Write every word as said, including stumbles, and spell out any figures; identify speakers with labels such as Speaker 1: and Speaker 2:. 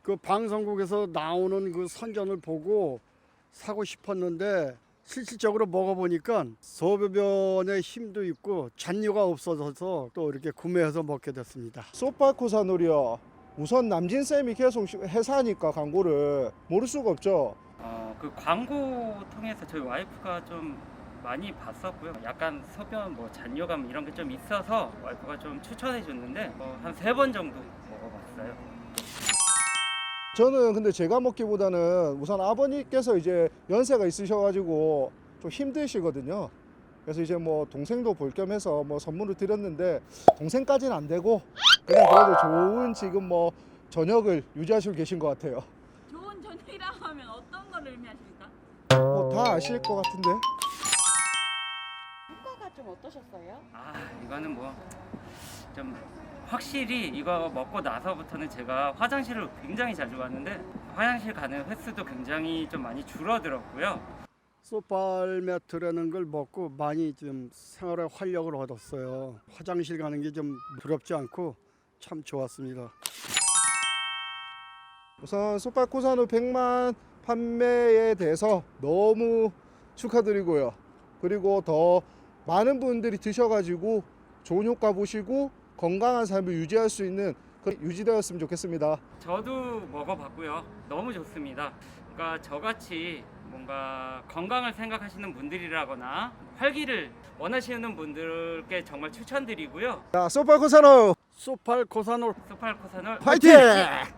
Speaker 1: 그 방송국에서 나오는 그 선전을 보고 사고 싶었는데 실질적으로 먹어보니까 소변에 힘도 있고 잔류가 없어져서 또 이렇게 구매해서 먹게 됐습니다.
Speaker 2: 소팔코사놀이요. 우선 남진쌤이 계속 회사니까 광고를 모를 수가 없죠.
Speaker 3: 어, 그 광고 통해서 저희 와이프가 좀 많이 봤었고요. 약간 소변 뭐 잔여감 이런 게 좀 있어서 와이프가 좀 추천해 줬는데 뭐 한 세 번 정도 먹어봤어요.
Speaker 2: 저는 근데 제가 먹기보다는 우선 아버님께서 이제 연세가 있으셔가지고 좀 힘드시거든요. 그래서 이제 뭐 동생도 볼 겸해서 뭐 선물을 드렸는데 동생까지는 안 되고 그냥 그래도 좋은 지금 뭐 저녁을 유지하시고 계신 것 같아요.
Speaker 4: 좋은 저녁이라고 하면 어떤 걸 의미하십니까?
Speaker 2: 뭐 다 아실 것 같은데.
Speaker 4: 효과가 좀 어떠셨어요?
Speaker 3: 아 이거는 뭐 좀 확실히 이거 먹고 나서부터는 제가 화장실을 굉장히 자주 갔는데 화장실 가는 횟수도 굉장히 좀 많이 줄어들었고요.
Speaker 1: 소팔매트라는 걸 먹고 많이 좀 생활에 활력을 얻었어요. 화장실 가는 게 좀 두렵지 않고 참 좋았습니다.
Speaker 2: 우선 소팔코사놀 백만 판매에 대해서 너무 축하드리고요. 그리고 더 많은 분들이 드셔가지고 좋은 효과 보시고 건강한 삶을 유지할 수 있는 그 유지되었으면 좋겠습니다.
Speaker 3: 저도 먹어봤고요. 너무 좋습니다. 그러니까 저같이 뭔가 건강을 생각하시는 분들이라거나 활기를 원하시는 분들께 정말 추천드리고요.
Speaker 2: 자, 소팔코사놀
Speaker 1: 소팔코사놀
Speaker 3: 소팔코사놀
Speaker 2: 화이팅!